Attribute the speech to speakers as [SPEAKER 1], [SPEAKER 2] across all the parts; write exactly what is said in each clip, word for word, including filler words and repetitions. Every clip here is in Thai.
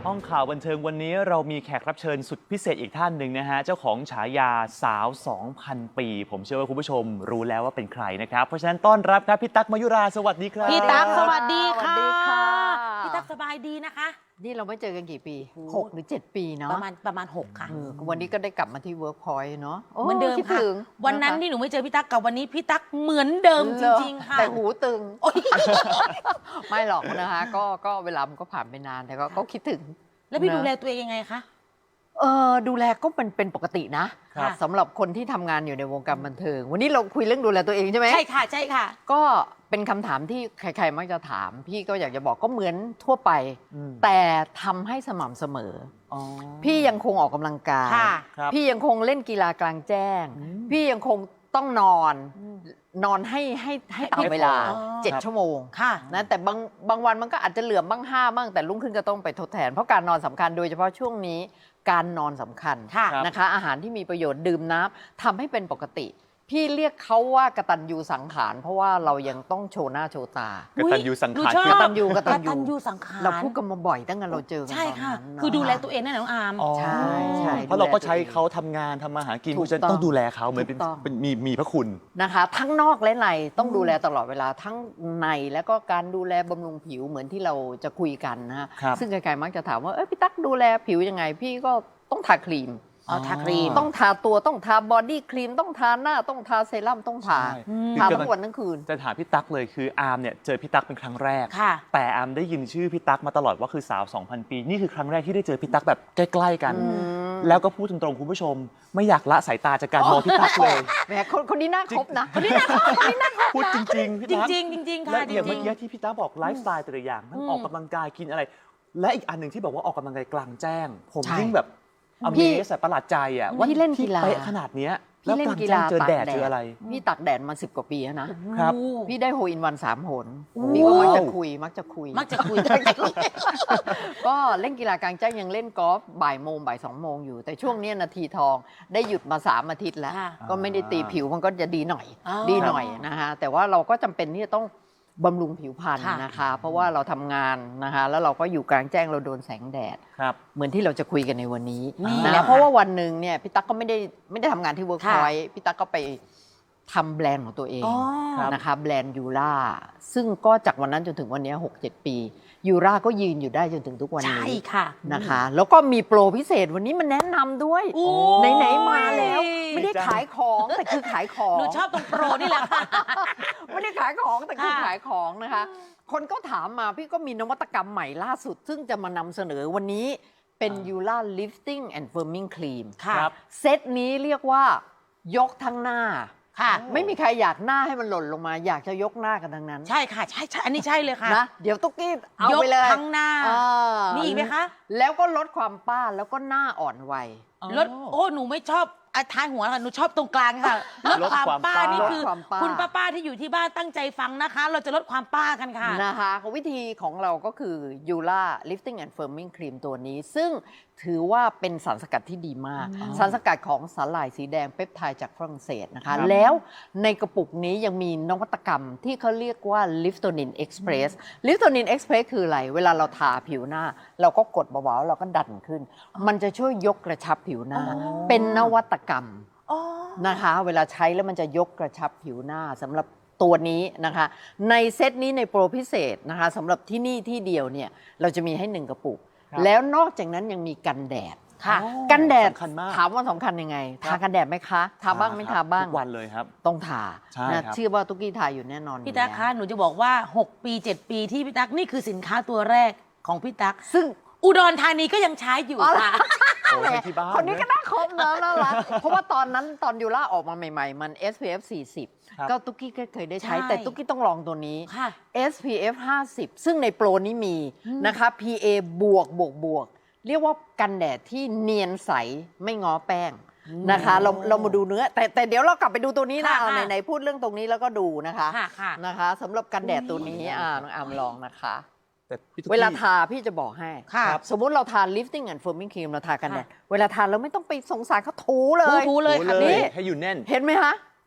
[SPEAKER 1] ห้องข่าวบันเทิงวันนี้เรามีแขกรับเชิญสุดพิเศษอีกท่านหนึ่งนะฮะเจ้าของฉายาสาว สองพัน ปีผมเชื่อว่าคุณผู้ชมรู้แล้วว่าเป็นใครนะครับเพราะฉะนั้นต้อนรับครับพี่ตั๊กมยุราสวัสดีครับ
[SPEAKER 2] พี่ตั๊กสวัสดีค่ะ
[SPEAKER 3] สวัสดีค่ะ
[SPEAKER 2] พี่ตั๊กสบายดีนะคะ
[SPEAKER 3] นี่เราไม่เจอกันกี่ปีหกหรือเจ็ดปีเนาะ
[SPEAKER 2] ประมาณประมาณหกค่ะ
[SPEAKER 3] วันนี้ก็ได้กลับมาที่ Workpoint เนาะ
[SPEAKER 2] เหมือนเดิม
[SPEAKER 3] คิด
[SPEAKER 2] ค่ะ
[SPEAKER 3] ถึง
[SPEAKER 2] วันนั้นที่หนูไม่เจอพี่ตั๊กกับวันนี้พี่ตั๊กเหมือนเดิมจริงๆค่ะ
[SPEAKER 3] แต่หูตึง ไม่หรอกนะคะก็ก็เวลามันก็ผ่านไปนานแต่ก็ก็คิดถึง
[SPEAKER 2] แล้วพี่
[SPEAKER 3] นะ
[SPEAKER 2] ดูแลตัวเองยังไงคะ
[SPEAKER 3] เออดูแลก็เป็นเป็นปกตินะครับ สำหรับคนที่ทำงานอยู่ในวงการบันเทิง วันนี้เราคุยเรื่องดูแลตัวเองใช่ไหม
[SPEAKER 2] ใช่ค่ะใช่ค่ะ
[SPEAKER 3] ก็เป็นคำถามที่ใครๆมักจะถาม พี่ก็อยากจะบอกก็เหมือนทั่วไป
[SPEAKER 1] อืม
[SPEAKER 3] แต่ทำให้สม่ำเสมอ
[SPEAKER 1] อ๋อ
[SPEAKER 3] พี่ยังคงออกกำลังกาย
[SPEAKER 2] ค่ะ
[SPEAKER 1] ครับ
[SPEAKER 3] พี่ยังคงเล่นกีฬากลางแจ้ง
[SPEAKER 1] อืม
[SPEAKER 3] พี่ยังคงต้องนอน นอนให้ให้ให้ตามเวลา
[SPEAKER 2] อ๋อ
[SPEAKER 3] เจ็ด
[SPEAKER 1] ครับ
[SPEAKER 3] ชั่วโมง
[SPEAKER 2] ค่ะ
[SPEAKER 3] นะแต่บางบางวันมันก็อาจจะเหลือบ้างห้าบ้างแต่รุ่งขึ้นก็ต้องไปทดแทน เพราะการนอนสำคัญโดยเฉพาะช่วงนี้การนอนสำคัญ
[SPEAKER 2] ค่ะ
[SPEAKER 3] นะคะ อาหารที่มีประโยชน์ดื่มน้ำทำให้เป็นปกติ พี่เรียกเขาว่ากตัญญูสังขารเพราะว่าเรายังต้องโชว์หน้าโชว์ตา
[SPEAKER 1] กตัญญูสัง
[SPEAKER 2] หนู
[SPEAKER 1] ขาร
[SPEAKER 2] ชอบ
[SPEAKER 1] คื
[SPEAKER 3] ก
[SPEAKER 1] อ
[SPEAKER 3] ตัญญูก
[SPEAKER 2] ก
[SPEAKER 3] ตัญ
[SPEAKER 2] ตัญ
[SPEAKER 3] ญู
[SPEAKER 2] ญูสังขาร
[SPEAKER 3] เราพูดกันมาบ่อยตั้งแต่เราเจอกัน
[SPEAKER 2] ใช่
[SPEAKER 3] ตอน
[SPEAKER 2] ค่ะ
[SPEAKER 3] นั้น
[SPEAKER 2] คือดูแล
[SPEAKER 3] นะะ
[SPEAKER 2] ตัวเองนั่นแหละน้องอาร์ม
[SPEAKER 1] อ๋อ
[SPEAKER 3] ใช่ใช่
[SPEAKER 1] เพราะเราก็ใช้
[SPEAKER 3] ดูแลตัวเอง
[SPEAKER 1] เขาทำงานทำมาหากิน
[SPEAKER 3] ถู
[SPEAKER 1] เพ
[SPEAKER 3] ก
[SPEAKER 1] ราะฉะนั้น
[SPEAKER 3] ต้อง
[SPEAKER 1] ต้องดูแลเขาเหมือนเป็น
[SPEAKER 3] ถูกต้อง
[SPEAKER 1] เป็นมีมีพระคุณ
[SPEAKER 3] นะคะทั้งนอกและในต้องดูแลตลอดเวลาทั้งในแล้วก็การดูแลบำรุงผิวเหมือนที่เราจะคุยกันนะฮะ
[SPEAKER 1] ครับ
[SPEAKER 3] ซึ่งใครๆมักจะถามว่าเอ้ยพี่ตั๊กดูแลผิวยังไง พี่ก็ต้องทาครีม
[SPEAKER 2] เอาทาครีม
[SPEAKER 3] ต้องทาตัวต้องทาบอดี้ครีมต้องทาหน้าต้องทาเซรั่มต้องทา
[SPEAKER 1] ใช่
[SPEAKER 3] ทา
[SPEAKER 1] คือ
[SPEAKER 3] ทั้งวันทั้งคืน
[SPEAKER 1] จะถามพี่ตั๊กเลยคืออาร์มเนี่ยเจอพี่ตั๊กเป็นครั้งแรก
[SPEAKER 2] ค่ะ
[SPEAKER 1] แต่อาร์มได้ยินชื่อพี่ตั๊กมาตลอดว่าคือสาว สองพัน ปีนี่คือครั้งแรกที่ได้เจอพี่ตั๊กแบบใกล้ๆกัน
[SPEAKER 3] อืม
[SPEAKER 1] แล้วก็พูดตรงๆคุณผู้ชม ไม่อยากละสายตาจากการมองพี่ตั๊กเลย
[SPEAKER 3] แหมคนคนนี้น่าคบนะคนนี้น่า
[SPEAKER 1] พูดจริงๆพี่
[SPEAKER 2] จ
[SPEAKER 1] ตั๊ก
[SPEAKER 2] ริงๆจริงๆ
[SPEAKER 1] และ
[SPEAKER 2] ค่ะจ
[SPEAKER 1] อย่าง
[SPEAKER 2] ริ
[SPEAKER 1] เมื่อง กี้ที่พี่ตั๊กบอกไลฟ์สไตล์แต่ละอย่างทั้ง
[SPEAKER 2] อืม
[SPEAKER 1] ออกกำลังกายกินอะไร และอีกอันหนึ่งที่บอกว่าออกกำลังกายกลางแจ้ง ผม
[SPEAKER 3] ใช่
[SPEAKER 1] ยิ่งแบบอ
[SPEAKER 3] พี่
[SPEAKER 1] เมสประหลาดใจอ่ะว่า
[SPEAKER 3] พี่เล่นกีฬา
[SPEAKER 1] เป๊ะขนาดเนี้ย
[SPEAKER 3] พี่เล่นกีฬา
[SPEAKER 1] แวกลางแจ้งเจอแดด
[SPEAKER 3] ตากแดด
[SPEAKER 1] เจออะไร
[SPEAKER 3] พี่ตักแดดมาสิบกว่าปีแล้วนะ
[SPEAKER 2] ๆ
[SPEAKER 1] ครับ
[SPEAKER 2] โอ้
[SPEAKER 3] พี่ได้โฮอินวันสามหน
[SPEAKER 2] โอ้
[SPEAKER 3] พี่ก็มักจะคุยมักจะคุย
[SPEAKER 2] มักจะคุย
[SPEAKER 3] ก็เล่นกีฬากลางแจ้งยังเล่นกอล์ฟบ่ายโมงบ่ายสองโมงอยู่ แต่ช่วงเนี้ยนาทีทองได้หยุดมาสามอาทิตย์แล้ว
[SPEAKER 2] ค่ะ
[SPEAKER 3] ก็ไม่ได้ตีผิวมันก็จะดีหน่อย
[SPEAKER 2] อ๋อ
[SPEAKER 3] ดีหน่อยนะคะแต่ว่าเราก็จำเป็นที่จะต้องบำรุงผิวพรรณ
[SPEAKER 2] ค่ะ
[SPEAKER 3] นะคะ เพราะว่าเราทำงานนะคะแล้วเราก็อยู่กลางแจ้งเราโดนแสงแดด
[SPEAKER 1] ครับ
[SPEAKER 3] เหมือนที่เราจะคุยกันในวันนี้
[SPEAKER 2] นี่
[SPEAKER 3] นะ
[SPEAKER 2] แหละ
[SPEAKER 3] เพราะว่าวันหนึ่งเนี่ยพี่ตั๊กก็ไม่ได้ไม่ได้ทำงานที่เวิร์กพ
[SPEAKER 2] ค่ะ
[SPEAKER 3] อยต์พี่ตั๊กก็ไปทำแบรนด์ของตัวเอง
[SPEAKER 2] อ๋อ
[SPEAKER 1] ครับ
[SPEAKER 3] นะคะแบรนด์ยูราซึ่งก็จากวันนั้นจนถึงวันนี้ หกเจ็ด ปียูราก็ยืนอยู่ได้จนถึงทุกวัน
[SPEAKER 2] ใช่
[SPEAKER 3] นี้
[SPEAKER 2] ค่ะ
[SPEAKER 3] นะคะ แล้วก็มีโปรพิเศษวันนี้มันแนะนำด้วย
[SPEAKER 2] โอ้
[SPEAKER 3] ไหนๆมาแล้ว ไม่ได้
[SPEAKER 1] ดีจัง
[SPEAKER 3] ขายของแต่คือขายของ
[SPEAKER 2] หนูชอบตรงโปรนี่แหละค่ะ
[SPEAKER 3] ไม่ได้ขายของแต่คือ
[SPEAKER 2] ค่ะ
[SPEAKER 3] ขายของนะคะ คนก็ถามมาพี่ก็มีนวัตกรรมใหม่ล่าสุด ซึ่งจะมานำเสนอวันนี้เป็น
[SPEAKER 1] อ่า
[SPEAKER 3] ยูราลิฟติ้งแอนด์เฟิร์มิงครีม
[SPEAKER 2] ค่ะ
[SPEAKER 1] ครับ
[SPEAKER 3] เซตนี้เรียกว่ายกทั้งหน้า
[SPEAKER 2] ค่ะ
[SPEAKER 3] ไม่มีใครอยากหน้าให้มันหล่นลงมา อยากจะยกหน้ากันทั้งนั้น
[SPEAKER 2] ใช่ค่ะ ใช่ใช่อันนี้ใช่เลยค่ะ
[SPEAKER 3] นะเดี๋ยวตุ๊กกี้เอา
[SPEAKER 2] ยก
[SPEAKER 3] ไปเลย
[SPEAKER 2] ทั้งหน้า
[SPEAKER 3] เออ
[SPEAKER 2] มีอีกไหมคะ
[SPEAKER 3] แล้วก็ลดความป้าแล้วก็หน้าอ่อนวัย
[SPEAKER 2] รถโอ้หนูไม่ชอบอ่ะท้ายหัวค่ะหนูชอบตรงกลางค่ะลด
[SPEAKER 1] ลด
[SPEAKER 2] ความ
[SPEAKER 1] ความ
[SPEAKER 2] ป้า
[SPEAKER 1] ป้า
[SPEAKER 2] นี่คือ
[SPEAKER 3] ลดความป้า
[SPEAKER 2] คุณป้าป้าที่อยู่ที่บ้านตั้งใจฟังนะคะ เราจะลดความป้ากันค่ะ
[SPEAKER 3] นะคะวิธีของเราก็คือ Yula Lifting and Firming Cream ตัวนี้ ซึ่งถือว่าเป็นสารสกัดที่ดีมาก
[SPEAKER 2] อ๋อ
[SPEAKER 3] สารสกัดของสาหร่ายสีแดงเปปไทด์จากฝรั่งเศสนะคะ
[SPEAKER 1] ครับ
[SPEAKER 3] แล้วในกระปุกนี้ยังมีนวัตกรรมที่เขาเรียกว่า Liftonin Express Liftonin Express คืออะไร เวลาเราทาผิวหน้า เราก็กดเบาๆเราก็ดันขึ้น มันจะช่วยยกกระชับผิวหน้า
[SPEAKER 2] อ๋อ
[SPEAKER 3] เป็นนวัตกรรม
[SPEAKER 2] อ๋อ
[SPEAKER 3] นะคะเวลาใช้แล้วมันจะยกกระชับผิวหน้าสำหรับตัวนี้นะคะในเซตนี้ในโปรพิเศษนะคะสำหรับที่นี่ที่เดียวเนี่ยเราจะมีให้หนึ่งกระปุก
[SPEAKER 1] ครับ
[SPEAKER 3] แล้วนอกจากนั้นยังมีกันแดด
[SPEAKER 2] ค่ะ
[SPEAKER 1] อ๋อ
[SPEAKER 3] กันแดด
[SPEAKER 1] สำคัญมาก
[SPEAKER 3] ถามว่าสำคัญยังไง
[SPEAKER 1] ครั
[SPEAKER 3] ทา
[SPEAKER 1] บ
[SPEAKER 3] กันแดดไหมคะทาบ้างไม่ทาบ้าง
[SPEAKER 1] ทุกวันเลยครับ
[SPEAKER 3] ต้องทา
[SPEAKER 1] ใช่
[SPEAKER 3] นะครับ เชื่อว่าตุ๊กกี้ทาอยู่แน่นอน
[SPEAKER 2] พี่ตั๊ก
[SPEAKER 3] อยู่
[SPEAKER 2] คะ
[SPEAKER 3] แล้ว
[SPEAKER 2] หนูจะบอกว่า หก ปี เจ็ด ปีที่พี่ตั๊กนี่คือสินค้าตัวแรกของพี่ตั๊ก
[SPEAKER 3] ซึ่ง
[SPEAKER 2] อุดรธานีก็ยังใช้อยู่
[SPEAKER 3] อ๋อเหรอ
[SPEAKER 2] ค่ะ
[SPEAKER 1] โอ้ยที่บ้าน
[SPEAKER 3] คนนี้ก็
[SPEAKER 1] นะ
[SPEAKER 3] น่าคบเนอะน่ารัก เพราะว่าตอนนั้นตอนยูล่าออกมาใหม่ๆ มัน เอส พี เอฟ สี่สิบ
[SPEAKER 1] ครับ
[SPEAKER 3] ก็ตุ๊กกี้ก็เคยได้ใช้
[SPEAKER 2] ใช่
[SPEAKER 3] แต่ตุ๊กกี้ต้องลองตัวนี้
[SPEAKER 2] ค่ะ
[SPEAKER 3] เอส พี เอฟ ห้าสิบ ซึ่งในโปรนี้มี
[SPEAKER 2] อืม
[SPEAKER 3] นะคะ พี เอ บวกบวกบวก เรียกว่ากันแดดที่เนียนใสไม่ง้อแป้งนะคะ เราเรามาดูเนื้อ แต่แต่เดี๋ยวเรากลับไปดูตัวนี้นะ
[SPEAKER 2] ค่ะ
[SPEAKER 3] เอา
[SPEAKER 2] ค่ะ
[SPEAKER 3] ไหนๆพูดเรื่องตรงนี้แล้วก็ดูนะคะ
[SPEAKER 2] ค่ะค่ะ
[SPEAKER 3] นะคะสำหรับกันแดดตัวนี้
[SPEAKER 2] อุ๊ย
[SPEAKER 3] อ่าน้องอามลองนะคะ
[SPEAKER 1] แต่พี่ตุ๊ก
[SPEAKER 3] เวลา
[SPEAKER 1] กี้
[SPEAKER 3] ทาพี่จะบอกให้
[SPEAKER 2] ค่ะ
[SPEAKER 3] สมมุติเราทา lifting and firming cream เราทากันแดด
[SPEAKER 2] ค่ะ
[SPEAKER 3] เวลาทาเราไม่ต้องไปสงสารเขาถูเลย
[SPEAKER 2] ถูๆเลยค่ะ
[SPEAKER 1] โอ้
[SPEAKER 3] นี่
[SPEAKER 1] ให้อยู่แน่น
[SPEAKER 3] เห็นไหมคะ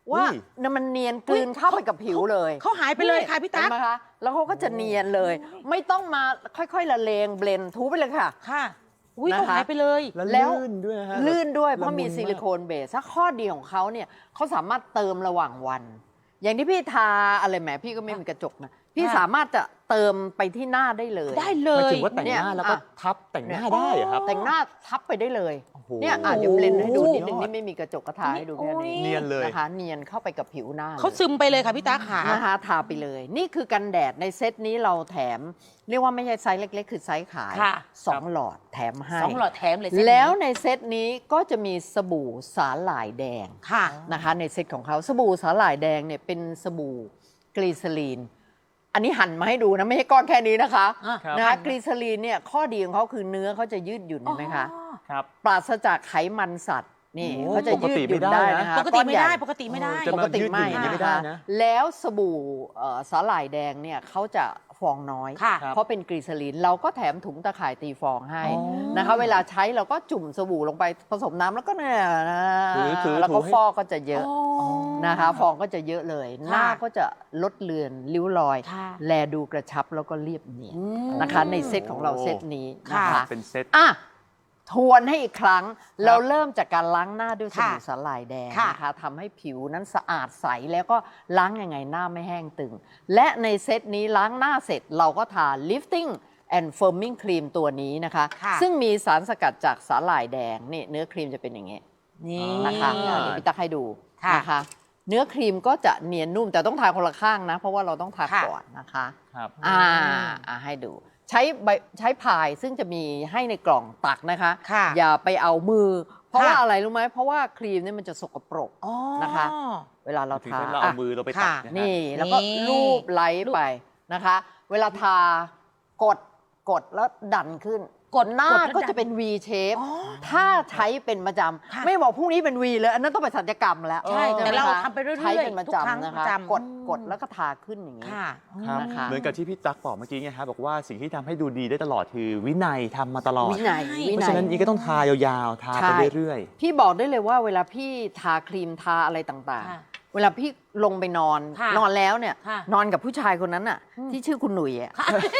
[SPEAKER 3] ว่า
[SPEAKER 1] อุ้ย
[SPEAKER 3] เนี่ยมันเนียนกลืนเข้าไปกับผิวเลย
[SPEAKER 2] เขาหายไปเลยค่ะพี่ตั๊ก
[SPEAKER 3] เห็นไหมคะแล้วเขาก็จะเนียนเลย ไม่ต้องมาค่อยๆละเลงเบลนทูไปเลยค่ะ
[SPEAKER 2] ค่ะอุ้ย
[SPEAKER 3] นะคะ
[SPEAKER 2] เขาหายไปเลย
[SPEAKER 1] แล้ว
[SPEAKER 3] แล้ว
[SPEAKER 1] ลื่นด้วยนะฮะ
[SPEAKER 3] ลื่นด้วย
[SPEAKER 1] แบบ
[SPEAKER 3] เพราะมี
[SPEAKER 1] ละมุน
[SPEAKER 3] ซิลิโคนเบสถ้าข้อดีของเขาเนี่ยเขาสามารถเติมระหว่างวัน อย่างที่พี่ทาอะไรแหมพี่ก็ไม่มีกระจกนะพี่
[SPEAKER 2] ค่ะ
[SPEAKER 3] สามารถจะเติมไปที่หน้าได้เลย
[SPEAKER 2] ได้เล
[SPEAKER 1] หมาย
[SPEAKER 2] ย
[SPEAKER 1] ถึงว่าแต่งหน้า
[SPEAKER 3] เนี่ย
[SPEAKER 1] แล้วก็
[SPEAKER 3] อ่ะ
[SPEAKER 1] ทับแต่งหน้าได้เหรอครับ
[SPEAKER 3] แต่งหน้าทับไปได้เลย
[SPEAKER 1] โอ้โห
[SPEAKER 3] เนี่ยอ่ะเดี๋ยวเบลนให้ดูนิดนึง
[SPEAKER 1] โอ้โห
[SPEAKER 3] นี่ไม่มีกระจกกระทาให้ดูแค่นี้
[SPEAKER 1] เนียนเลย
[SPEAKER 3] นะคะเนียนเข้าไปกับผิวหน้า
[SPEAKER 2] เขา
[SPEAKER 3] ลย
[SPEAKER 2] ซึมไปเลยค่ะพี่ตั๊กขา
[SPEAKER 3] นะคะทาไปเลย นี่คือกันแดดในเซตนี้เราแถม เรียกว่าไม่ใช่ไซส์เล็ก ๆ คือไซส์ขาย
[SPEAKER 2] ค่ะ
[SPEAKER 3] สองหลอดแถมให้
[SPEAKER 2] สองหลอดแถมเลยเส้นนี้
[SPEAKER 3] แล้วในเซตนี้ก็จะมีสบู่สาหร่ายแดง
[SPEAKER 2] ค่ะ
[SPEAKER 3] นะคะในเซตของเขาสบู่สาหร่ายแดงเนี่ยเป็นสบู่กลีเซอรีน อันนี้หั่นมาให้ดูนะ ไม่ใช่ก้อนแค่นี้นะคะ
[SPEAKER 2] อ่ะ
[SPEAKER 1] ครับ
[SPEAKER 3] นะคะกลีเซอรีนเนี่ยข้อดีของเขาคือเนื้อเขาจะยืดหยุ่นเห็นไหมคะ
[SPEAKER 2] อ๋อ
[SPEAKER 1] ครับ
[SPEAKER 3] ปราศจากไขมันสัตว์นี่
[SPEAKER 1] โอ้
[SPEAKER 3] เขาจะยืดหยุ่น
[SPEAKER 1] ปกติไม่ได้
[SPEAKER 3] ได้
[SPEAKER 1] นะ
[SPEAKER 3] นะคะ
[SPEAKER 2] ปกติไม่ได้
[SPEAKER 3] อนใหญ่
[SPEAKER 2] ปกติไม่ได้
[SPEAKER 1] จะ
[SPEAKER 3] ป
[SPEAKER 1] มาก
[SPEAKER 3] ติไม่
[SPEAKER 1] ยืดหยุ่นอย่างนี้ไม่
[SPEAKER 3] นะ
[SPEAKER 1] ได้
[SPEAKER 3] คะ
[SPEAKER 1] นะ
[SPEAKER 3] แล้วสบู่เอ่อสาหร่ายแดงเนี่ยเขาจะฟองน้อย
[SPEAKER 2] ค่ะ
[SPEAKER 3] เพราะเป็นกลีเซอรีนเราก็แถมถุงตะข่ายตีฟองให้
[SPEAKER 1] อ๋อ
[SPEAKER 3] นะคะ เวลาใช้เราก็จุ่มสบู่ลงไปผสมน้ำแล้วก็เนี่ยนะ
[SPEAKER 1] ถือถือ
[SPEAKER 3] แล้วก็
[SPEAKER 1] ถูให้
[SPEAKER 3] ฟอกก็จะเยอะ
[SPEAKER 2] อ๋อ
[SPEAKER 3] นะคะ ฟองก็จะเยอะเลย หน้าก็จะลดเลือนริ้วรอย
[SPEAKER 2] ค่ะ
[SPEAKER 3] แลดูกระชับแล้วก็เรียบเนียน
[SPEAKER 2] อืม
[SPEAKER 3] นะคะ ในเซตของเราเซตนี้นะ
[SPEAKER 2] ค่ะ
[SPEAKER 3] คะ
[SPEAKER 1] เป็นเซต
[SPEAKER 3] อ่ะทวนให้อีกครั้ง เราเริ่มจากการล้างหน้าด้วยสบู่
[SPEAKER 2] ค่ะ
[SPEAKER 3] สาหร่ายแดง
[SPEAKER 2] ค่ะ
[SPEAKER 3] นะคะทำให้ผิวนั้นสะอาดใสแล้วก็ล้างยังไงหน้าไม่แห้งตึง และในเซตนี้ล้างหน้าเสร็จเราก็ทา lifting and firming cream ตัวนี้นะคะ
[SPEAKER 2] ค่ะ
[SPEAKER 3] ซึ่งมีสารสกัดจากสาหร่ายแดงนี่เนื้อครีมจะเป็นอย่างนี้
[SPEAKER 2] นี่
[SPEAKER 3] นะคะ
[SPEAKER 1] อ่า
[SPEAKER 3] เดี๋ยวพี่ตักให้ดู
[SPEAKER 2] ค่ะ
[SPEAKER 3] นะคะ เนื้อครีมก็จะเนียนนุ่มแต่ต้องทาคนละข้างนะ เพราะว่าเราต้องทา
[SPEAKER 2] ค่ะ
[SPEAKER 3] ก่อนนะคะ
[SPEAKER 1] ครับ
[SPEAKER 3] อ่าอ่าให้ดู ใช้ใบใช้พายซึ่งจะมีให้ในกล่องตักนะคะ
[SPEAKER 2] ค่ะ
[SPEAKER 3] อย่าไปเอามือ เพราะ
[SPEAKER 2] ค่ะ
[SPEAKER 3] ว่าอะไรรู้ไหมเพราะว่าครีมเนี่ยมันจะสกปรก
[SPEAKER 2] อ๋อ
[SPEAKER 3] นะคะ เวลาเรา
[SPEAKER 1] ถึง
[SPEAKER 3] ทา
[SPEAKER 1] เวลาเอา
[SPEAKER 3] อ่ะ
[SPEAKER 1] มือเราไปตัก
[SPEAKER 2] ค่ะ
[SPEAKER 1] นะฮะ
[SPEAKER 3] นี่แล้วก็
[SPEAKER 2] นี่
[SPEAKER 3] ลูบไล้ไปนะคะ เวลาทากดกดแล้วดันขึ้น กดหน้าก
[SPEAKER 2] ดแล้ว
[SPEAKER 3] ก็
[SPEAKER 2] ดั
[SPEAKER 3] จะ
[SPEAKER 2] น
[SPEAKER 3] เป็น V shape
[SPEAKER 2] อ๋อ
[SPEAKER 3] ถ้าใช้เป็นประจ
[SPEAKER 2] ค่ะ
[SPEAKER 3] ำไม่บอกพรุ่งนี้เป็น V เลยอันนั้นต้องไปศัลยกรรมแล้ว
[SPEAKER 2] ใช่แต่
[SPEAKER 3] ไหม
[SPEAKER 2] เรา
[SPEAKER 3] คะ
[SPEAKER 2] ทำไปเรื่อยๆ
[SPEAKER 3] ใช้เป็นประ
[SPEAKER 2] ทุกครั้ง
[SPEAKER 3] จำนะ
[SPEAKER 2] ป
[SPEAKER 3] คะ
[SPEAKER 2] ระจำ
[SPEAKER 3] กด
[SPEAKER 2] อืม
[SPEAKER 3] กดแล้วก็ทาขึ้นอย่างนี้
[SPEAKER 2] ค่ะ
[SPEAKER 1] ครับ
[SPEAKER 3] นะคะ
[SPEAKER 1] เหมือนกับที่พี่ตั๊กบอกเมื่อกี้ไงครับบอกว่าสิ่งที่ทำให้ดูดีได้ตลอดคือวินัยทำมาตลอด
[SPEAKER 3] วินัย
[SPEAKER 2] ใช่
[SPEAKER 3] วิ
[SPEAKER 1] เพราะ
[SPEAKER 3] นั
[SPEAKER 1] ฉะ
[SPEAKER 3] ย
[SPEAKER 1] นั้นอีก็ต้องทายาวๆ ทาไป
[SPEAKER 3] ใช่
[SPEAKER 1] เรื่อย
[SPEAKER 3] พี่บอกได้เลยว่าเวลาพี่ทาครีมทาอะไรต่าง
[SPEAKER 2] ค่ะ
[SPEAKER 3] ๆ เวลาพี่ลงไปนอน
[SPEAKER 2] ค่ะ
[SPEAKER 3] นอนแล้วเนี่ย
[SPEAKER 2] ค่ะ
[SPEAKER 3] นอนกับผู้ชายคนนั้นน่ะ
[SPEAKER 2] อืม
[SPEAKER 3] ที่ชื่อคุณหนุ่ยอ่ะ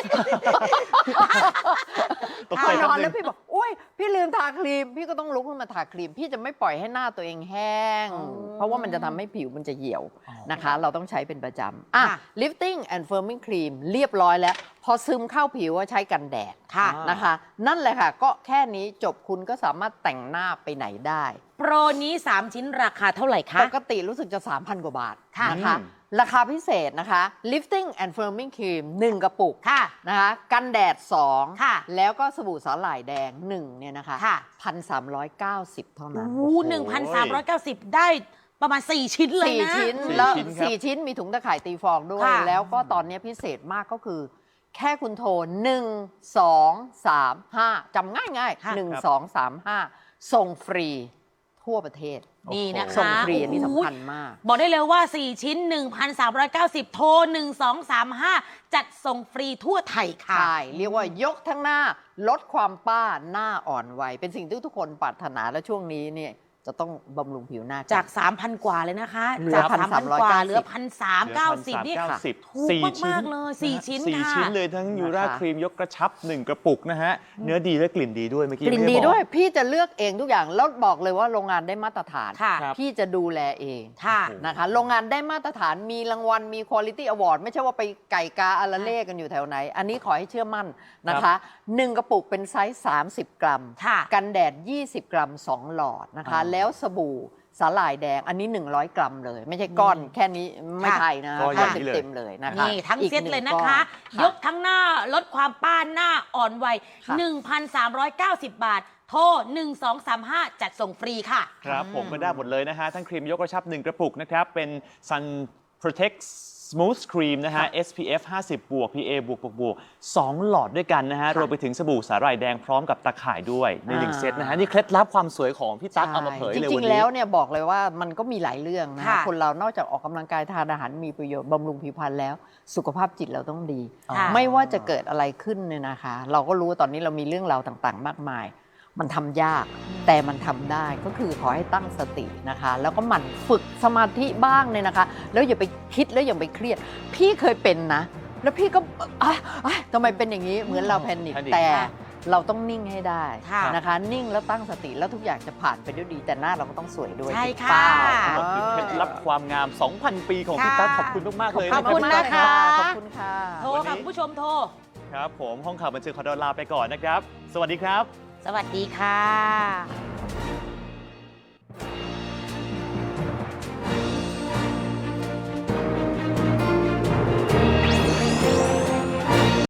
[SPEAKER 1] ๆตก
[SPEAKER 3] พ
[SPEAKER 1] ใจ
[SPEAKER 3] อน
[SPEAKER 1] แป๊บ
[SPEAKER 3] อน
[SPEAKER 1] นึ
[SPEAKER 3] แล้ว
[SPEAKER 1] ง
[SPEAKER 3] พี่บอกอุ้ยพี่ลืมทาครีม พี่ก็ต้องลุกขึ้นมาทาครีม พี่จะไม่ปล่อยให้หน้าตัวเองแห้ง
[SPEAKER 2] อ๋อ
[SPEAKER 3] เพราะว่ามันจะทำให้ผิวมันจะเหี่ยว
[SPEAKER 1] อ๋อ
[SPEAKER 3] นะคะ เราต้องใช้เป็นประจำอ่ะ
[SPEAKER 2] ค่ะ
[SPEAKER 3] lifting and firming cream เรียบร้อยแล้ว พอซึมเข้าผิวว่าใช้กันแดด
[SPEAKER 2] ค่ะ
[SPEAKER 3] นะคะ นั่นแหละค่ะ ก็แค่นี้จบคุณก็สามารถแต่งหน้าไปไหนได้
[SPEAKER 2] โปรนี้ สาม ชิ้นราคาเท่าไหร่คะ
[SPEAKER 3] ปกติรู้สึกจะ สามพัน กว่าบาท
[SPEAKER 2] ค่ะ
[SPEAKER 3] นะคะ
[SPEAKER 1] อืม
[SPEAKER 3] ราคาพิเศษนะคะ lifting and firming cream หนึ่ง กระปุก
[SPEAKER 2] ค่ะ
[SPEAKER 3] นะคะกันแดด สอง
[SPEAKER 2] ค่ะ
[SPEAKER 3] แล้วก็สบู่สาหร่ายแดง หนึ่งเนี่ยนะคะ
[SPEAKER 2] ค่ะ
[SPEAKER 3] พันสามร้อยเก้าสิบเท่านั้น
[SPEAKER 2] โอ้หนึ่งพันสามร้อยเก้าสิบได้ประมาณ สี่ ชิ้นเลย
[SPEAKER 3] สี่
[SPEAKER 2] นะ
[SPEAKER 3] ชิ้น
[SPEAKER 1] สี่
[SPEAKER 3] แล้ว
[SPEAKER 1] ชิ้นครับ
[SPEAKER 3] สี่ชิ้นมีถุงตะข่ายตีฟองด้วย
[SPEAKER 2] ค่ะ
[SPEAKER 3] แล้วก็ตอนนี้พิเศษมากก็คือ แค่คุณโทรหนึ่ง สอง สาม ห้าจำง่ายง่าย
[SPEAKER 2] ค่ะ
[SPEAKER 3] หนึ่ง สอง สาม ห้าส่งฟรีทั่วประเทศ
[SPEAKER 2] นี่นะคะ
[SPEAKER 3] ส่งฟรีอันนี้สำคัญมาก
[SPEAKER 2] บอกได้เลยว่า สี่ ชิ้น หนึ่งพันสามร้อยเก้าสิบ โทร หนึ่ง สอง สาม ห้า จัดส่งฟรีทั่วไทยค่ะ
[SPEAKER 3] ใช่ เรียกว่ายกทั้งหน้าลดความป้าหน้าอ่อนวัยเป็นสิ่งที่ทุกคนปรารถนาและช่วงนี้เนี่ยจะต้องบำรุงผิวหน้า
[SPEAKER 2] จาก สามพัน กว่าเลยนะคะ
[SPEAKER 3] เหลือ
[SPEAKER 2] จาก สามพัน กว่า เหลือ
[SPEAKER 3] ห
[SPEAKER 2] พันสามเก้าสิบ นี่
[SPEAKER 1] เก้าสิบ
[SPEAKER 2] ถูกมากๆเลยสี่ชิ้น
[SPEAKER 1] สี่
[SPEAKER 2] ค่ะ
[SPEAKER 1] ชิ้นเลยทั้งยูรา
[SPEAKER 3] นะคะ
[SPEAKER 1] ครีมยกกระชับหนึ่งกระปุกนะฮะ เนื้อดีและกลิ่นดีด้วยเมื่อกี้
[SPEAKER 3] กลิ่น
[SPEAKER 1] ไม่
[SPEAKER 3] ดี
[SPEAKER 1] ไบอก
[SPEAKER 3] ด้วยพี่จะเลือกเองทุกอย่างแล้วบอกเลยว่าโรงงานได้มาตรฐาน
[SPEAKER 2] ค่ะ
[SPEAKER 1] ครับ
[SPEAKER 3] พี่จะดูแลเอง
[SPEAKER 2] ค่ะ
[SPEAKER 3] นะคะโรงงานได้มาตรฐานมีรางวัลมี Quality Award ไม่ใช่ว่าไปไก่กาอาราเล่กันอยู่แถวไหน อันนี้ขอให้เชื่อมั่นนะคะหนึ่งกระปุกเป็นไซส์สามสิบ กรัม
[SPEAKER 2] ค่ะ
[SPEAKER 3] กันแดด ยี่สิบ กรัม สอง หลอดนะคะ
[SPEAKER 1] อ๋อ
[SPEAKER 3] แล้วสบู่สาหร่ายแดงอันนี้ หนึ่งร้อย กรัมเลย ไม่ใช่ก้อนแค่นี้ไม่ใช่นะ
[SPEAKER 1] ก็อ
[SPEAKER 3] ก้อย่าง
[SPEAKER 1] นี้เลย
[SPEAKER 3] เต็มๆเลยนะคะ
[SPEAKER 2] นี่ทั้ง
[SPEAKER 3] อีก
[SPEAKER 2] เซต
[SPEAKER 3] หนึ่
[SPEAKER 2] เลยนะคะ
[SPEAKER 3] ก้อน
[SPEAKER 2] ยกทั้งหน้าลดความป้านหน้าอ่อนวัย
[SPEAKER 3] ค่ะ
[SPEAKER 2] หนึ่งพันสามร้อยเก้าสิบ บาท โทร หนึ่ง สอง สาม ห้า จัดส่งฟรีค่ะ
[SPEAKER 1] ครับผมก็ได้หมดเลยนะฮะ ทั้งครีมยกกระชับหนึ่งกระปุกนะครับ เป็น Sun Protect Smooth Cream นะฮะ เอส พี เอฟ ห้าสิบ บวก พี เอ บวกบวกบวกสองหลอดด้วยกันนะฮะ รวมไปถึงสบู่สาหร่ายแดงพร้อมกับตะข่ายด้วยในหนึ่ง
[SPEAKER 3] อ่า
[SPEAKER 1] เซตนะฮะ นี่เคล็ดลับความสวยของพี่ตั๊กเอามาเผย
[SPEAKER 3] ใช่
[SPEAKER 1] เลย
[SPEAKER 3] จ
[SPEAKER 1] วั
[SPEAKER 3] ริ
[SPEAKER 1] น
[SPEAKER 3] ง ๆ
[SPEAKER 1] นี้
[SPEAKER 3] แล้วเนี่ยบอกเลยว่ามันก็มีหลายเรื่องนะ
[SPEAKER 2] ค่ะ
[SPEAKER 3] คนเรานอกจากออกกำลังกายทานอาหารมีประโยชน์บำรุงผิวพรรณแล้ว สุขภาพจิตเราต้องดี
[SPEAKER 2] ค่ะ
[SPEAKER 3] ไม่ว่าจะเกิดอะไรขึ้นเนี่ยนะคะ เราก็รู้ว่าตอนนี้เรามีเรื่องราวต่างๆ มากมายมันทำยากแต่มันทำได้ก็คือขอให้ตั้งสตินะคะ แล้วก็หมั่นฝึกสมาธิบ้างเนี่ยนะคะ แล้วอย่าไปคิดแล้วอย่าไปเครียด พี่เคยเป็นนะ แล้วพี่ก็อ่ะอ่ะทำไมเป็นอย่างนี้เหมือนเราแพนิค
[SPEAKER 1] แพนิค
[SPEAKER 3] แต่เราต้องนิ่งให้ได้
[SPEAKER 2] ค่ะ
[SPEAKER 3] นะคะ นิ่งแล้วตั้งสติแล้วทุกอย่างจะผ่านไปด้วยดี แต่หน้าเราก็ต้องสวยด้วย
[SPEAKER 2] ใช่
[SPEAKER 3] ถูก
[SPEAKER 2] ค่ะ
[SPEAKER 3] เปล่า
[SPEAKER 1] คือเคล็ดลับความงาม สองพัน ปีของพี่ตั๊กขอบคุณมาก ๆ เลย
[SPEAKER 3] ขอบคุณ
[SPEAKER 1] นะ
[SPEAKER 3] นะ
[SPEAKER 1] ครั
[SPEAKER 3] คะ
[SPEAKER 1] บ
[SPEAKER 3] ขอบคุณค่ะ
[SPEAKER 2] โทรค่ะคุณผู้ชมโทร
[SPEAKER 1] ครับผมห้องข่าวบันเทิงขอตัวลาไปก่อนนะครับ สวัสดีครับ
[SPEAKER 2] สวัสดีค่ะ